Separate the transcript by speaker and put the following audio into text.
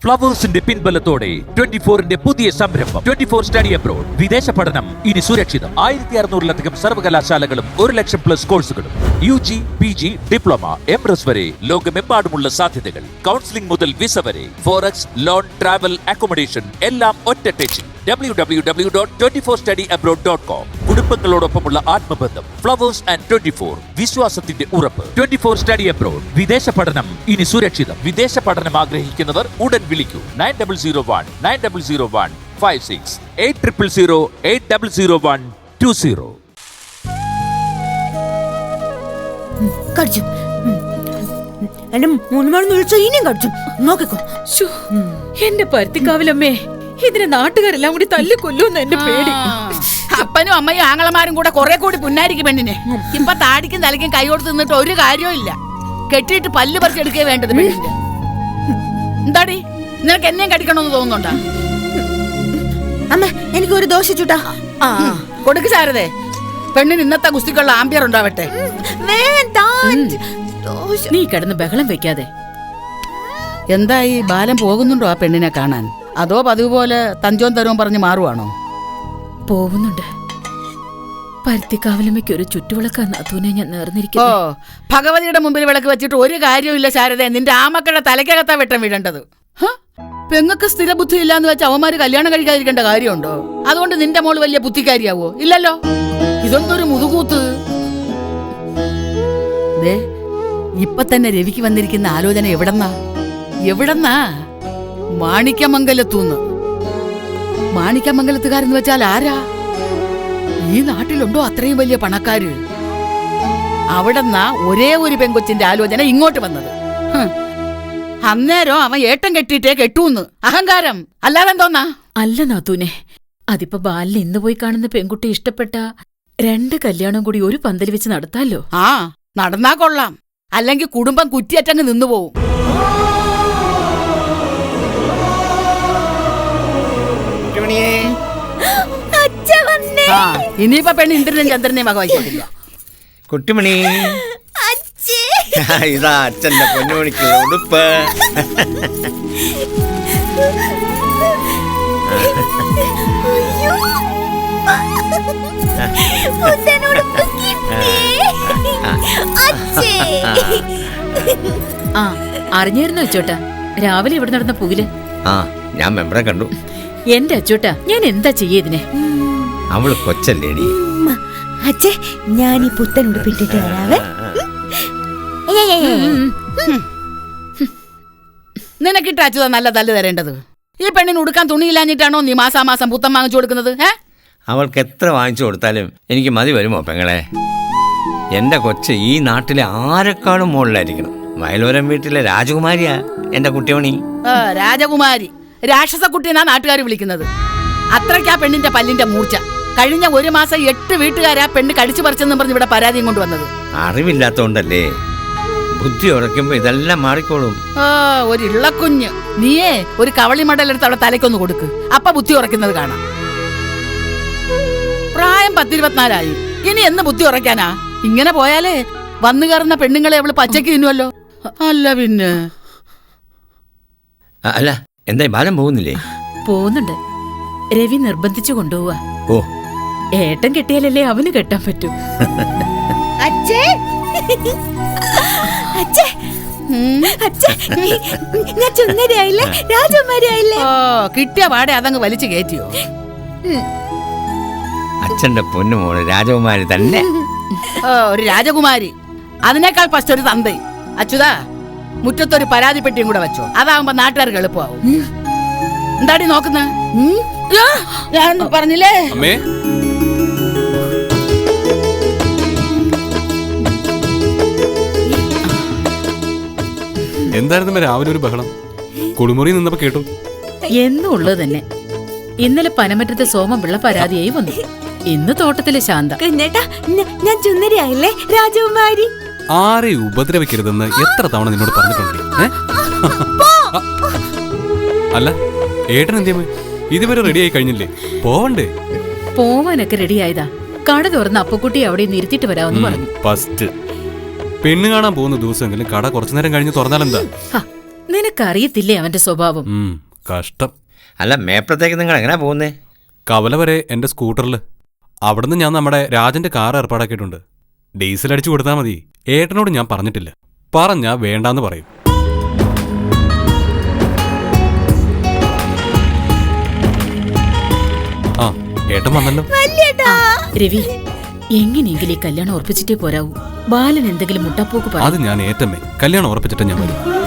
Speaker 1: ഫ്ലവേഴ്സിന്റെ പിൻബലത്തോടെ 24ന്റെ പുതിയ സംരംഭം 24 study abroad. വിദേശ പഠനം ഇനി സുരക്ഷിതം. 1600-ലധികം സർവകലാശാലകളും 1,00,000+ കോഴ്സുകളും. UG, PG, ഡിപ്ലോമ, MRS വരെ ലോകമെമ്പാടുമുള്ള സാധ്യതകൾ. കൗൺസിലിംഗ് മുതൽ വിസ വരെ. ഫോറക്സ്, ലോൺ, ട്രാവൽ, അക്കോമഡേഷൻ എല്ലാം ഒറ്റ ടെച്ചിൽ. www.24studyabroad.com. കുടുംബങ്ങളോടൊപ്പമുള്ള ആത്മബന്ധം. ഫ്ലവേഴ്സ് ആൻഡ് 24 വിശ്വാസത്തിന്റെ ഉറപ്പ്. 24 സ്റ്റഡി അബ്രോഡ്. വിദേശ പഠനം ഇനി സുരക്ഷിതം. വിദേശ പഠനം ആഗ്രഹിക്കുന്നവർ ഉടൻ വിളിക്കൂ 9001 800 800120.
Speaker 2: കടിച്ചു. എന്റെ 3 മണി വിളിച്ച ഇനിയും കടിച്ചു. നോക്കിക്കോ.
Speaker 3: എന്റെ പരുത്തിക്കാവിലമ്മേ, ഇതിനെ നാട്ടുകാരെല്ലാം കൂടി തല്ലി കൊല്ലുമെന്ന് എന്റെ പേടി.
Speaker 4: അപ്പനും അമ്മയും ആങ്ങളമാരും കൂടെ കുറെ കൂടി പുന്നാരിക്കും പെണ്ണിനെ. ഇപ്പൊ താടിക്കും തലയ്ക്കും കൈ കൊടുത്ത് നിന്നിട്ട് ഒരു കാര്യവും ഇല്ല. കെട്ടിയിട്ട് പല്ല് പറിച്ചെടുക്കേ വേണ്ടത് പെണ്ണിന്റെ. എന്താടി, നിനക്ക് എന്നെയും കടിക്കണമെന്ന് തോന്നുന്നുണ്ടോ?
Speaker 2: അമ്മ, എനിക്ക് ഒരു ദോശ ചുട്ടാ.
Speaker 4: കൊടുക്ക് ശാരദേ. പെണ്ണിന് ഇന്നത്തെ ഗുസ്തിക്കുള്ള ആംബിയർ ഉണ്ടാവട്ടെ.
Speaker 3: നീ കിടന്ന് ബഹളം വെക്കാതെ.
Speaker 4: എന്തായി, ബാലം പോകുന്നുണ്ടോ ആ പെണ്ണിനെ കാണാൻ? അതോ പതിവ് പോലെ തഞ്ചോൻ തരവും പറഞ്ഞ് മാറുവാണോ?
Speaker 3: പോകുന്നുണ്ട്. പരുത്തിക്കാവിലമ്മയ്ക്ക് ഒരു ചുറ്റുവിളക്കാ നാത്തൂനെ ഞാൻ
Speaker 4: ഓ,
Speaker 3: നേർന്നിരിക്കുന്നു.
Speaker 4: ഭഗവതിയുടെ മുമ്പിൽ വിളക്ക് വെച്ചിട്ട് ഒരു കാര്യമില്ല ശാരദ. നിന്റെ ആമക്കളുടെ തലയ്ക്കകത്താ വെട്ടം വീഴേണ്ടത്. പെങ്ങൾക്ക് സ്ഥിര ബുദ്ധി ഇല്ലാന്ന് വെച്ച് അവന്മാര് കല്യാണം കഴിക്കാതിരിക്കേണ്ട കാര്യമുണ്ടോ? അതുകൊണ്ട് നിന്റെ മോള് വലിയ ബുദ്ധിക്കാരിയാവോ? ഇല്ലല്ലോ. ഇതൊന്നൊരു മുതുകൂത്ത്. ഇപ്പൊ തന്നെ രവിക്ക് വന്നിരിക്കുന്ന ആലോചന എവിടെന്നാ? മാണിക്യമംഗലത്തൂന്ന്. മാണിക്യമംഗലത്തുകാരെന്ന് വെച്ചാൽ ആരാ? ഈ നാട്ടിലുണ്ടോ അത്രയും വലിയ പണക്കാര്? അവിടെന്നാ ഒരേ ഒരു പെങ്കൊച്ചിന്റെ ആലോചന ഇങ്ങോട്ട് വന്നത്. അന്നേരം അവൻ ഏട്ടം കെട്ടിയിട്ടേ കെട്ടൂന്ന്. അഹങ്കാരം അല്ലാതെന്തോന്നാ?
Speaker 3: അല്ല നാത്തൂനെ, അതിപ്പോ ബാലിന് ഇന്ന് പോയി കാണുന്ന പെൺകുട്ടി ഇഷ്ടപ്പെട്ട 2 കല്യാണം കൂടി ഒരു പന്തൽ വെച്ച് നടത്താലോ?
Speaker 4: നടന്നാ കൊള്ളാം. അല്ലെങ്കിൽ കുടുംബം കുറ്റിയറ്റങ്ങ് നിന്നുപോവും. ഇനിയിപ്പോ പെണ്ണ് ഇന്ദ്രനും ചന്ദ്രനെയും വകവയ്ക്കില്ല.
Speaker 5: കുട്ടിമണി, ഇതാ അച്ഛന്റെ പൊന്നുമണിക്കുള്ള ഉടുപ്പ്.
Speaker 3: അറിഞ്ഞായിരുന്നു അച്ചോട്ടാ രാവിലെ ഇവിടെ നടന്ന പുകില്?
Speaker 5: ഞാൻ മെമ്പറെ കണ്ടു.
Speaker 3: എന്റെ അച്ചോട്ടാ, ഞാൻ എന്താ ചെയ്യതിനെ?
Speaker 5: അവള് കൊച്ചല്ലേടി.
Speaker 2: അച്ഛേ, ഞാൻ ഈ പുത്തൻ ഉടുപ്പിട്ടിട്ട് വരാവേ.
Speaker 4: നിനക്കിട്ട് അച്യുത നല്ല തല്ല് തരേണ്ടത്. ഈ പെണ്ണിന് ഉടുക്കാൻ തുണിയില്ലാഞ്ഞിട്ടാണോ നീ മാസാമാസം പുത്തം വാങ്ങിച്ചു കൊടുക്കുന്നത്?
Speaker 5: അവൾക്ക് എത്ര വാങ്ങിച്ചു കൊടുത്താലും എനിക്ക് മതി വരുമോ പെങ്ങളെ? എന്റെ കൊച്ച് ഈ നാട്ടിലെ ആരെക്കാളും മുകളിലായിരിക്കണം. വയലോരം വീട്ടിലെ രാജകുമാരിയാ എന്റെ കുട്ടിമണി.
Speaker 4: രാജകുമാരി, രാക്ഷസക്കുട്ടിയെന്നാ നാട്ടുകാർ വിളിക്കുന്നത്. അത്രയ്ക്കാ പെണ്ണിന്റെ പല്ലിന്റെ മൂർച്ച. കഴിഞ്ഞ 1 മാസം 8 വീട്ടുകാരാ പെണ്ണ് കടിച്ചു പറിച്ചെന്നും പറഞ്ഞ് ഇവിടെ പരാതിയും കൊണ്ടുവന്നത്.
Speaker 5: അറിവില്ലാത്തോണ്ടല്ലേ. ബുദ്ധി ഉറക്കുമ്പോ ഇതെല്ലാം മാറിക്കോളും.
Speaker 4: ഒരു ഇള്ളക്കുഞ്ഞ്. നീയേ ഒരു കവളി മടലെടുത്ത് അവളെ തലയ്ക്കൊന്ന് കൊടുക്ക്. അപ്പൊ ബുദ്ധി ഉറക്കുന്നത് കാണാം. പ്രായം 10-24 ഇനി എന്ന് ബുദ്ധി ഉറക്കാനാ? ഇങ്ങനെ പോയാലേ വന്നു കയറുന്ന പെണ്ണുങ്ങളെ അവള് പച്ചക്ക് തിന്നുവല്ലോ. അല്ല പിന്നെ.
Speaker 5: അല്ല, എന്തായി ബാലം പോകുന്നില്ലേ?
Speaker 3: പോകുന്നുണ്ട്. രവി നിർബന്ധിച്ചു കൊണ്ടുപോവാ.
Speaker 5: ഓ,
Speaker 3: ഏട്ടൻ കെട്ടിയാലല്ലേ അവന് കെട്ടാൻ പറ്റൂ.
Speaker 2: ഞാൻ ചുന്നരിയായില്ലേ, രാജകുമാരിയായില്ലേ?
Speaker 4: കിട്ടിയ പാടെ അതങ്ങ് വലിച്ചു കയറ്റിയോ?
Speaker 5: അച്ഛന്റെ പൊന്നുമോള് രാജകുമാരി തന്നെ.
Speaker 4: ഒരു രാജകുമാരി. അതിനേക്കാൾ ഫസ്റ്റ് ഒരു തന്ത. അച്യുതാ, മുറ്റത്തൊരു പരാതി പെട്ടിയും കൂടെ വെച്ചോ. അതാവുമ്പോ നാട്ടുകാർക്ക് എളുപ്പമാവും. എന്താടി നോക്കുന്ന? ഞാൻ പറഞ്ഞില്ലേ?
Speaker 6: എന്തായിരുന്നു രാവിലെ ഒരു ബഹളം? കുളിമുറി നിന്നപ്പോ കേട്ടു.
Speaker 3: എന്നുള്ളത് തന്നെ. ഇന്നലെ പനമറ്റത്തെ സോമപിള്ള പരാതിയായി വന്നു. ഇന്ന് തോട്ടത്തിലെ ശാന്ത.
Speaker 2: ഞാൻ ചുന്നരിയായില്ലേ, രാജകുമാരി?
Speaker 6: ആരെ ഉപദ്രവിക്കരുതെന്ന് എത്ര തവണ നിന്നോട് പറഞ്ഞിട്ടുണ്ട്? അല്ല, ഏട്ടൻ എന്തിയമ്മ ഇതുവരെ റെഡിയായി കഴിഞ്ഞില്ലേ? പോവണ്ടേ?
Speaker 3: പോവാനൊക്കെ റെഡിയായതാ. കട തുറന്ന് അപ്പക്കുട്ടി അവിടെ നിർത്തിട്ട് വരാമെന്ന് പറഞ്ഞു.
Speaker 6: ഫസ്റ്റ് പെണ്ണ് കാണാൻ പോകുന്ന ദിവസമെങ്കിലും കട കുറച്ചു നേരം കഴിഞ്ഞ് തുറന്നാലെന്താ?
Speaker 3: നിനക്കറിയത്തില്ലേ അവന്റെ സ്വഭാവം?
Speaker 6: കഷ്ടം.
Speaker 5: അല്ല, മേപ്പുറത്തേക്ക് നിങ്ങൾ എങ്ങനെയാ പോകുന്നേ?
Speaker 6: കവല വരെ എന്റെ സ്കൂട്ടറിൽ. അവിടുന്ന് ഞാൻ നമ്മുടെ രാജന്റെ കാർ ഏർപ്പാടാക്കിയിട്ടുണ്ട്. ഡീസൽ അടിച്ചു കൊടുത്താൽ മതി. ഏട്ടനോട് ഞാൻ പറഞ്ഞിട്ടില്ല. പറഞ്ഞാ വേണ്ടാന്ന് പറയും. ആ, ഏട്ടൻ വന്നല്ലോ.
Speaker 3: രവി, എങ്ങനെയെങ്കിലും ഈ കല്യാണം ഉറപ്പിച്ചിട്ടേ പോരാവൂ. ബാലൻ എന്തെങ്കിലും മുട്ടപ്പോക്ക്
Speaker 6: അത് ഞാൻ ഏറ്റമേ കല്യാണം ഉറപ്പിച്ചിട്ട് ഞാൻ വരും.